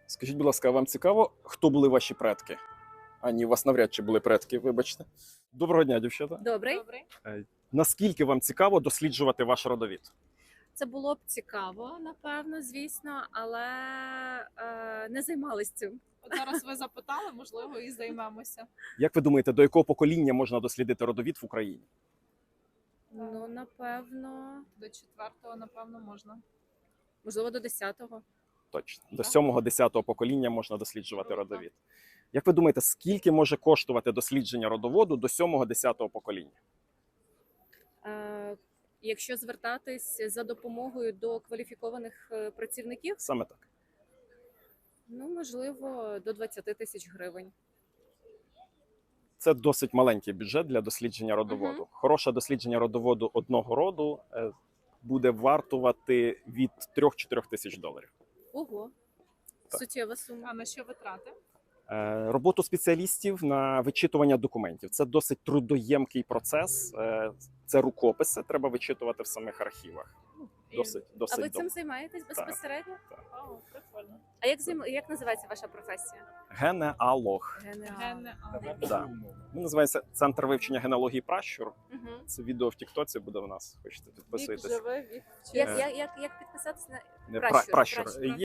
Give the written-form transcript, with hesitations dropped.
Скажіть, будь ласка, а вам цікаво, хто були ваші предки? А ні, у вас навряд чи були предки, вибачте. Доброго дня, дівчата. Добрий. Наскільки вам цікаво досліджувати ваш родовід? Це було б цікаво, напевно, звісно, але не займалися цим. От зараз ви запитали, можливо, і займемося. Як ви думаєте, до якого покоління можна дослідити родовід в Україні? Ну, напевно, До 4-го, напевно, можна. можливо, до 10-го. Точно. До 7-10 покоління можна досліджувати родовід. Як ви думаєте, скільки може коштувати дослідження родоводу до 7-10 покоління? Якщо звертатись за допомогою до кваліфікованих працівників, Саме так. ну, можливо, до 20 тисяч гривень. Це досить маленький бюджет для дослідження родоводу. Мгм. Хороше дослідження родоводу одного роду буде вартувати від 3-4 тисяч доларів. Ого, Так. суттєва сума. А на що витрати? Роботу спеціалістів на вичитування документів. Це досить трудоємкий процес. Це рукописи, треба вичитувати в самих архівах. Досить А ви цим довго. займаєтесь безпосередньо? О, прикольно. А як називається ваша професія? Генеалог. Генеалог. Да. Він називається Центр вивчення генеалогії пращур. Угу. Це відео в Тіктоці буде в нас. Хочете Вік підписуйтесь. живе, вік Як, вчиться. як підписатися на Не, Пращур, пращур. пращур.